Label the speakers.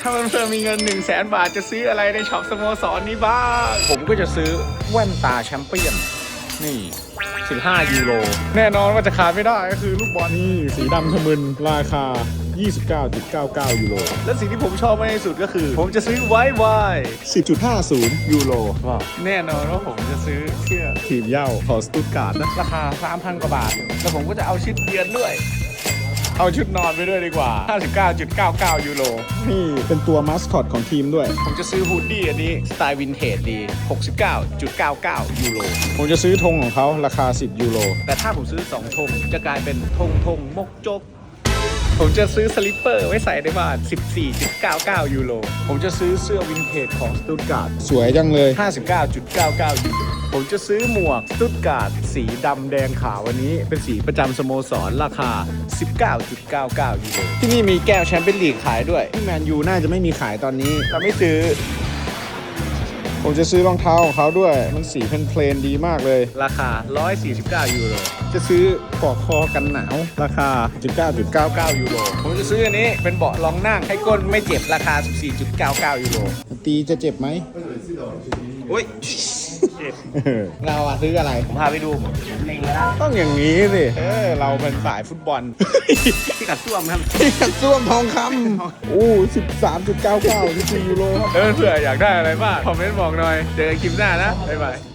Speaker 1: ถ้าเพื่อนๆมีเงิน 100,000 บาทจะซื้ออะไรในช็อปสโมสรนี้บ้าง ผมก็จะซื้อแว่นตาแชมเปี้ยนนี่15 ยูโรแน่นอนว่าจะขาดไม่ได้ก็คือลูกบอล
Speaker 2: นี่สีดำทะมึนราคา 29.99 ยูโร
Speaker 1: และสิ่งที่ผมชอบมากที่สุดก็คือ ผมจะซื้อไวไว
Speaker 2: 10.50 ยูโร
Speaker 1: ว้าวแน่นอนว่าผมจะซื้อเสื้อ
Speaker 2: ทีมเหย้าของสตุตการ์ดนะ
Speaker 1: ราคา 3,000 กว่าบาท แล้วผมก็จะเอาชุดเยือนด้วย เอาชุดนอนไปด้วยดีกว่า 59.99 ยูโร
Speaker 2: นี่เป็นตัวมาสคอตของทีมด้วย
Speaker 1: ผมจะซื้อฮูดดี้อันนี้สไตล์วินเทจดี 69.99 ยูโร
Speaker 2: ผมจะซื้อธงของเขาราคา 10 ยูโร
Speaker 1: แต่ถ้าผมซื้อ2ธงจะกลายเป็นธงมกจก ผมจะซื้อสลิปเปอร์ไว้ใส่ในบ้าน 14.99 ยูโร ผมจะซื้อเสื้อวินเทจของสตุตการ์ด
Speaker 2: สวยจังเลย
Speaker 1: 59.99 ยูโร ผมจะซื้อหมวกสตุตการ์ดสีดำแดงขาววันนี้เป็นสีประจำสโมสรราคา 19.99 ยูโร ที่นี่มีแก้วแชมเปี้ยนลีกขายด้วย
Speaker 2: ที่แมนยูน่าจะไม่มีขายตอนนี้
Speaker 1: แต่ไม่ซื้อ
Speaker 2: ผมจะซื้อรองเท้าของเขาด้วย มันสีเพลนๆดีมากเลย
Speaker 1: ราคา 149 ยูโร
Speaker 2: จะซื้อปลอกคอกันหนาว ราคา 19.99
Speaker 1: ยูโร ผมจะซื้ออันนี้เป็นเบาะรองนั่งให้ก้นไม่เจ็บราคา 14.99 ยูโร
Speaker 2: ตีจะเจ็บไหม
Speaker 1: อุ้ย
Speaker 2: เราอะซื้ออะไร
Speaker 1: ผมพาไปดูเล็งแล้ว
Speaker 2: ต้องอย่างนี้สิ เราเป็นสายฟุตบอล
Speaker 1: ที่กัดซ่วมครับ
Speaker 2: ส้วมทองคำอู้13.99 ยูโรครับ
Speaker 1: เพื่ออยากได้อะไรบ้างคอมเมนต์บอกหน่อย เจอกันคลิปหน้านะ บ๊ายบาย